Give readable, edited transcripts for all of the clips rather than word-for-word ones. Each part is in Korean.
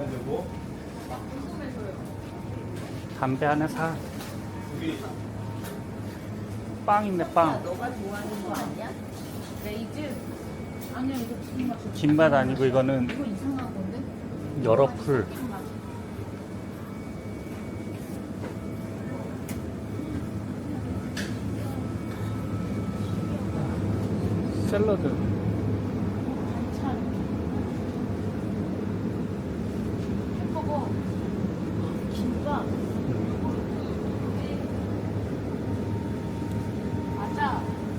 담배 하나 사. 빵 있네, 빵. 너가 좋아하는 거 아니야? 레이즈? 아니야, 이거 무슨 맛이야? 김맛 아니고 이거는 이거 이상한 건데? 여러 풀. 샐러드. 반찬. 햄버거. 김밥. 맞아.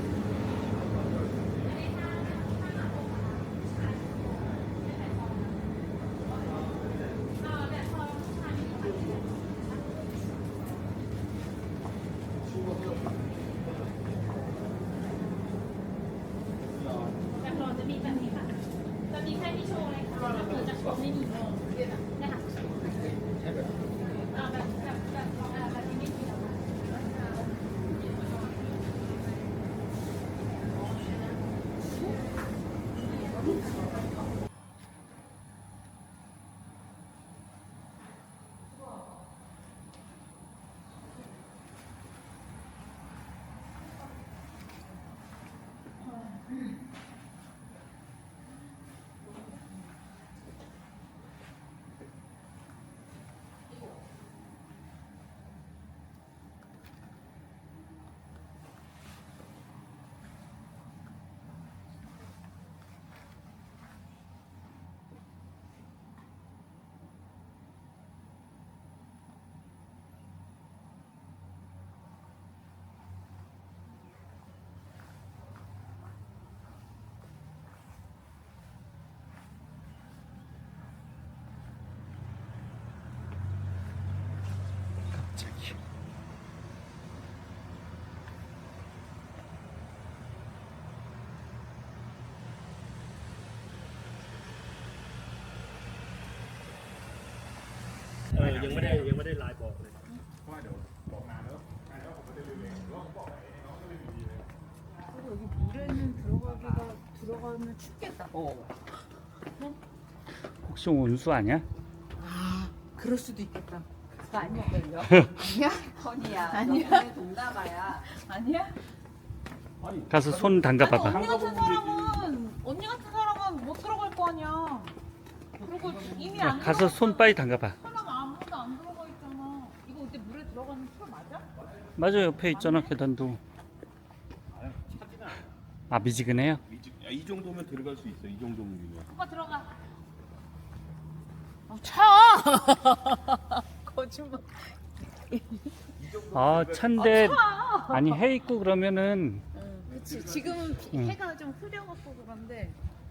갑자기. ยังไม่ได้ไลน์บอกเลย 그리고 여기 물에는 들어가면 춥겠다. 혹시 온수 아니야? 아, 그럴 수도 있겠다. 그거 아니야? 아니야? 허니야. 아니야? 너네 동남아야. 아니야? 가서 손 담가 봐봐. 언니 같은 사람은 못 들어갈 거 아니야. 그리고 이미 야, 안 가서 손 빨리 담가 봐. 사람 아무도 안 들어가 있잖아. 이거 근데 물에 들어가는 풀 맞아? 맞아, 옆에 있잖아, 계단도. 아, 미지근해요? 이 정도면 들어갈 수 있어. 이 정도면. 오빠 들어가. 차! 거짓말. 아, 찬데. 아니, 해 있고 그러면은. 그치. 지금은 응. 해가 좀 흐려갖고 그런데.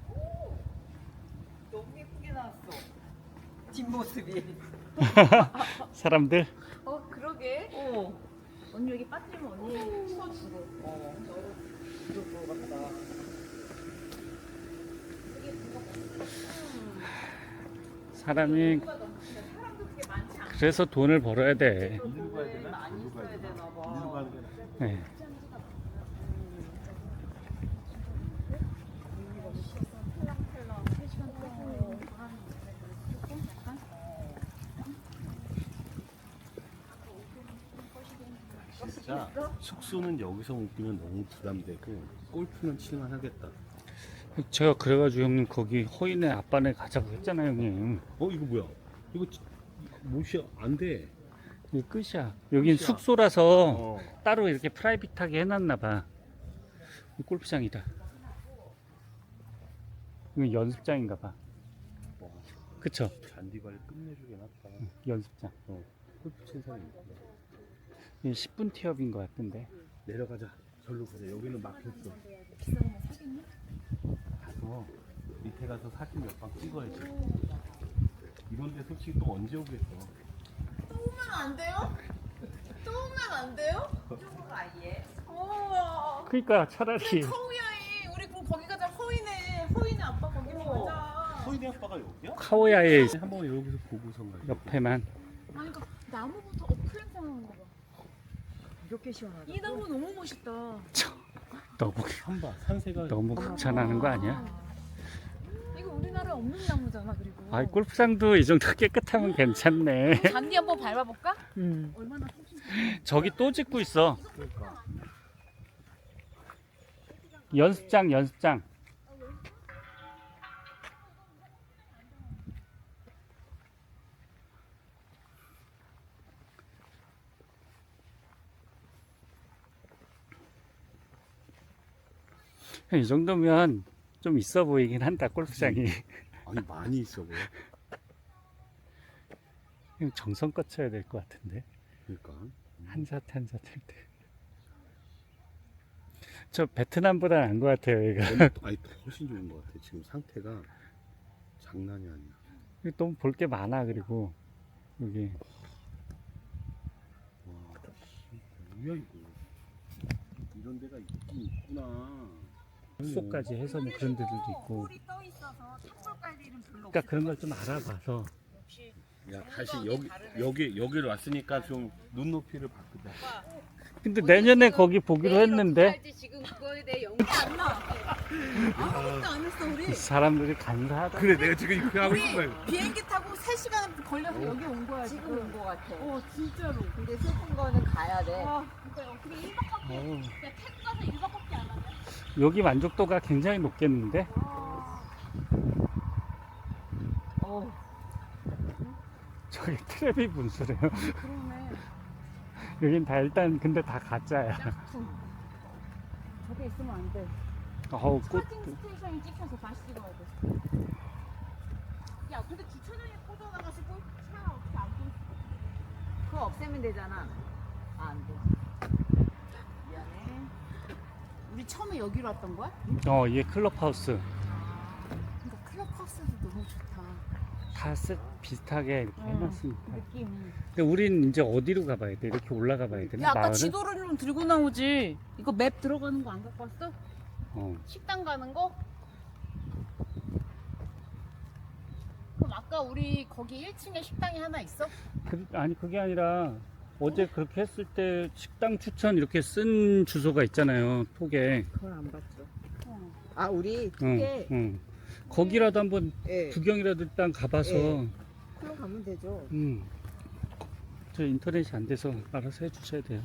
너무 예쁘게 나왔어. 뒷모습이. 사람들. 그러게. 언니 여기 빠지면 언니 추워 죽어. 그럴 것 같다. 사람이 그래서 돈을 벌어야 돼. 돈을 많이 써야 되나 봐. 네. 진짜 숙소는 여기서 묵기면 너무 부담되고 골프는 칠만하겠다. 제가 그래가지고 형님 거기 허인의 아빠네 가자고 했잖아요, 형님. 이거 뭐야? 이거 못이야. 안 돼. 이게 끝이야. 여긴 끝이야. 숙소라서 따로 이렇게 프라이빗하게 해놨나 봐. 이 골프장이다. 이건 연습장인가 봐. 와, 그쵸? 잔디발 끝내주긴 하다. 연습장. 골프 친 사람이 있구나. 이게 10분 티업인 것 같은데. 내려가자. 절로 가자. 여기는 막혔어. 가서 밑에 가서 사진 몇 방 찍어야지. 이런데 솔직히 또 언제 오겠어? 또 오면 안 돼요? 또 오면 안 돼요? 이쪽으로 아예. 우와. 그러니까 차라리 카우야이. 우리 그럼 거기 가자. 허인의 아빠 거기로 가자. 소희네 아빠가 여기야? 카오야의 한번 여기서 보고선 가자. 옆에만. 아니 그러니까 나무부터 플랜 하는 거 봐. 이렇게 시원하다. 이 나무 너무 멋있다. 너무 한바 산세가 너무 극찬하는 거 아니야? 이거 우리나라에 없는 나무잖아. 그리고 아, 골프장도 이 정도 깨끗하면 괜찮네. 잔디 한번 밟아볼까? 응. 얼마나 속 저기 또 짓고 있어. 그러니까. 연습장, 연습장. 이 정도면 좀 있어 보이긴 한다, 골프장이. 아니 많이 있어 보여. 정성껏 쳐야 될 것 같은데. 그러니까. 한 샷 한 샷 할 때. 저 베트남보다 나은 것 같아요, 얘가. 아니 훨씬 좋은 것 같아. 지금 상태가 장난이 아니야. 너무 볼 게 많아, 그리고 여기. 와, 뭐야 이거? 이런 데가 있긴 있구나. 숙소까지 해서 뭐 그런 데들도 있고. 꿀이 떠 있어서 탑볼 깔 일은 별로 그러니까 그런 걸 좀 알아봐서. 야 다시 여기를 왔으니까 좀 눈높이를 바꾸자. 근데 내년에 거기 보기로 했는데 지금 그거에 대해 연구 안 나. 아무것도 안 했어 우리. 사람들이 간사하다. 그래 내가 지금 이렇게 하고 싶은 거야. 비행기 타고 3시간 걸려서 여기 온 거야 지금 지금. 온 거 같아. 진짜로. 근데 슬픈 거는 가야 돼. 그러니까 어떻게 1박밖에 어우, 그냥 태국 가서 1박밖에 안 하냐? 여기 만족도가 굉장히 높겠는데? 저기 트랩이 분수래요. 그러네. 여긴 다 일단 근데 다 가짜야. 저게 있으면 안 돼. 어우, 꽃. 스타팅 스테이션이 찍혀서 다시 찍어야 돼. 야, 근데 주차장에 꽂아놔가지고 차 어떻게 안 보일 수가 없어. 그거 없애면 되잖아. 아, 안 돼. 미안해. 우리 처음에 여기로 왔던 거야? 얘 클럽하우스. 그러니까 클럽하우스도 너무 좋다. 다 비슷하게 이렇게 해놨으니까. 느낌. 근데 우린 이제 어디로 가봐야 돼? 이렇게 올라가 봐야 되나? 야, 아까 마을은? 지도를 좀 들고 나오지. 이거 맵 들어가는 거 안 갖고 왔어? 어. 식당 가는 거? 그럼 아까 우리 거기 1층에 식당이 하나 있어? 아니, 그게 아니라 어제 그렇게 했을 때 식당 추천 이렇게 쓴 주소가 있잖아요, 톡에. 그걸 안 봤죠. 어. 아, 우리 응, 두개 응. 거기라도 한번 예. 구경이라도 일단 가봐서. 예. 그럼 가면 되죠. 저 인터넷이 안 돼서 알아서 해주셔야 돼요.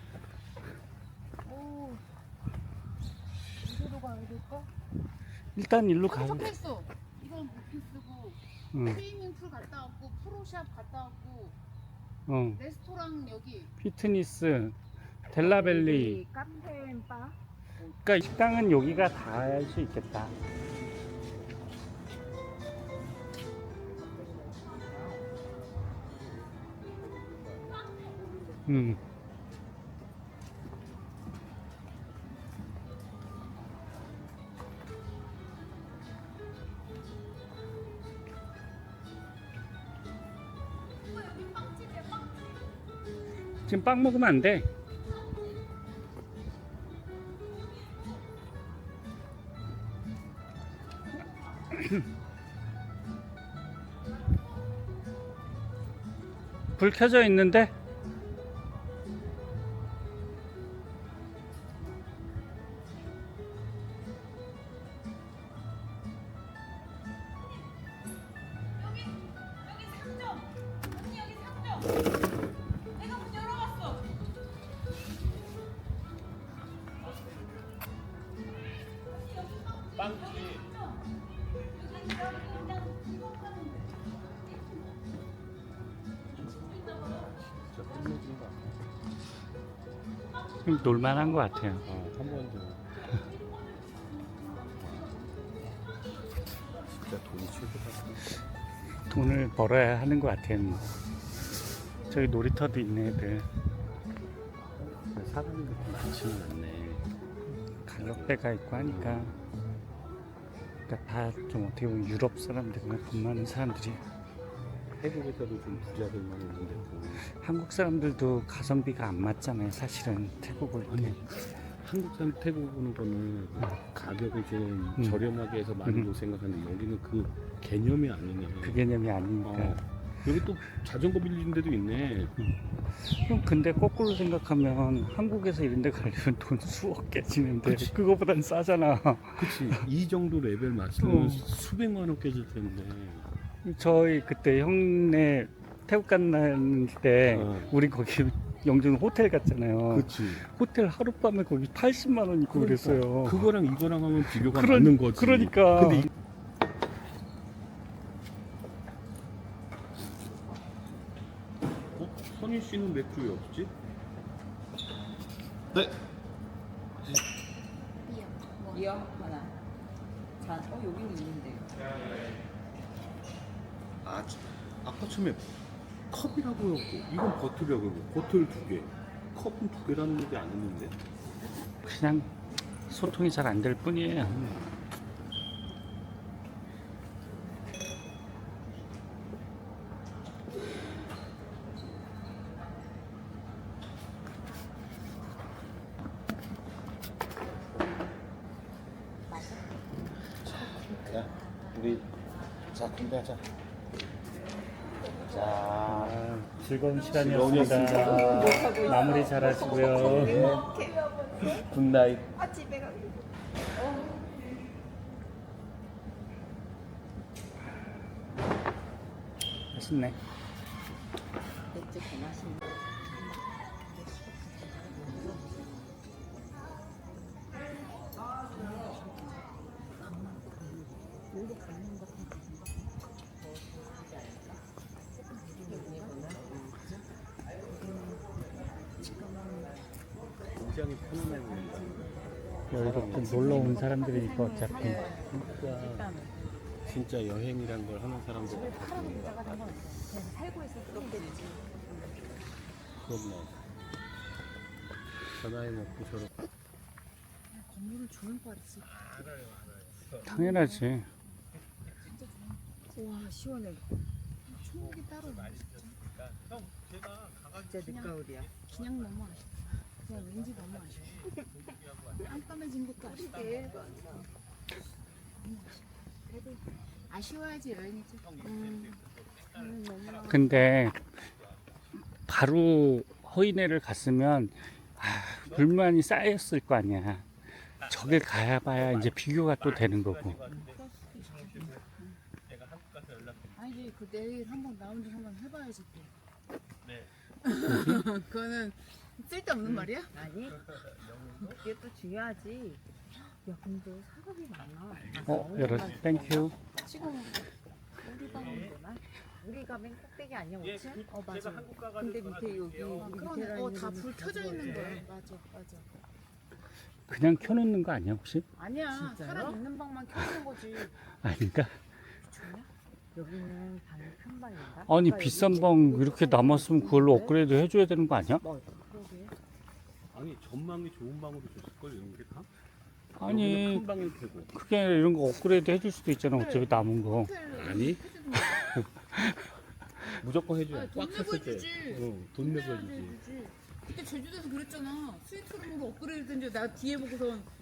오. 어디로 가야 될까? 일단 일로 저기 가요. 적혀있어. 이건 오피스고 응, 스위밍풀 갔다 왔고 프로샵 갔다 왔고 어. 레스토랑 여기 피트니스, 델라벨리. 여기 카페 앤 바. 그러니까 식당은 여기가 다 할 수 있겠다. 음. 지금 빵 먹으면 안 돼. 불 켜져 있는데? 여기 상점. 언니 여기 상점. 내가 문 열어봤어. 빵집. 진짜 끝내준 거 아니야? 좀 놀만한 것 같아요. 한번 더. 진짜 돈이 최고다. 돈을 벌어야 하는 것 같아요. 저기 놀이터도 있네, 애들. 사람이 그렇게 많지는 않네. 가격대가 있고 하니까. 그러니까 다 좀 어떻게 보면 유럽 사람들이나 돈 많은 사람들이. 태국에서도 좀 부자들만 있는데 또 한국 사람들도 가성비가 안 맞잖아요, 사실은. 태국 올 때. 아니, 한국 사람 태국 오는 거는 가격을 좀 저렴하게 해서 많이 못 생각하는데 여기는 그 개념이 아니네. 그 개념이 아니니까. 어. 여기 또 자전거 빌리는 데도 있네. 그럼 근데 거꾸로 생각하면 한국에서 이런 데 가려면 돈 수억 깨지는데 그거보단 싸잖아. 그치. 이 정도 레벨 맞추면 어. 수백만 원 깨질 텐데. 저희 그때 형네 태국 갔는 때 어. 우리 거기 영준 호텔 갔잖아요. 그치. 호텔 하룻밤에 거기 80만 원 있고 그랬어요. 그거랑 이거랑 하면 비교가 그런- 맞는 거지. 그러니까. 근데 선희 씨는 맥주 왜 없지? 네. 이어 하나. 잔. 여기는 있는데. 아까 처음에 컵이라고 했고 이건 버틀이라고 했고 버틀 2개. 컵은 2개라는 얘기 안 했는데. 그냥 소통이 잘 안 될 뿐이에요. 야, 우리 자 건배하자. 자, 즐거운 시간이었습니다. 마무리 잘 하시고요. 굿나잇. 집에 가고. 맛있네. 맥주 더 마시는. 굉장히 편안해 보인다. 이렇게 놀러 온 사람들이니까 어차피 진짜 여행이란 걸 하는 사람들 같아. 살고 있어 그렇겠지. 그럼요. 전화해 먹고 저렇게. 건물은 좋은 과리지. 당연하지. 와 시원해. 총목이 따로 나. 진짜 늦가을이야. 그냥 너무 아쉬워. 그냥 왠지 너무 아쉬워. 깜깜해진 것도 아쉽다. 그래도 아쉬워야지 여행이지. 너무 근데 바로 허인회를 갔으면 불만이 쌓였을 거 아니야. 저길 가봐야 이제 비교가 또 되는 거고. 아니지 그 내일 한번 나온 지 한번 해봐야지 또. 네. 그거는 쓸데없는 말이야? 아니 이게 또 중요하지. 야 근데 사각이 많아. 여러분 땡큐. 지금 우리 가면 되나? 우리가 맨 꼭대기 아니야 5층? 맞아. 근데 밑에 여기 우리 밑에랑 그러네. 다 불 켜져 있는 거야. 맞아. 그냥 켜놓는 거 아니야 혹시? 아니야. 진짜요? 사람 있는 방만 켜는 거지. 아닌가? 여기는 방이 큰 방인가? 아니 아까 비싼 여기 방 이렇게 남았으면 그걸로 업그레이드 해줘야 되는 거 아니야? 그러게. 아니 전망이 좋은 방으로 줬을 걸 이런 게 다. 아니 큰 방일 테고. 그게 아니라 이런 거 업그레이드 해줄 수도 있잖아. 어차피 남은 거. 아니 무조건 해줘. 아니, 돈 꽉 내고 찼을 때. 해주지. 응, 돈 내고 해주지. 해주지. 그때 제주도에서 그랬잖아. 스위트룸으로 업그레이드 된지 나 뒤에 보고선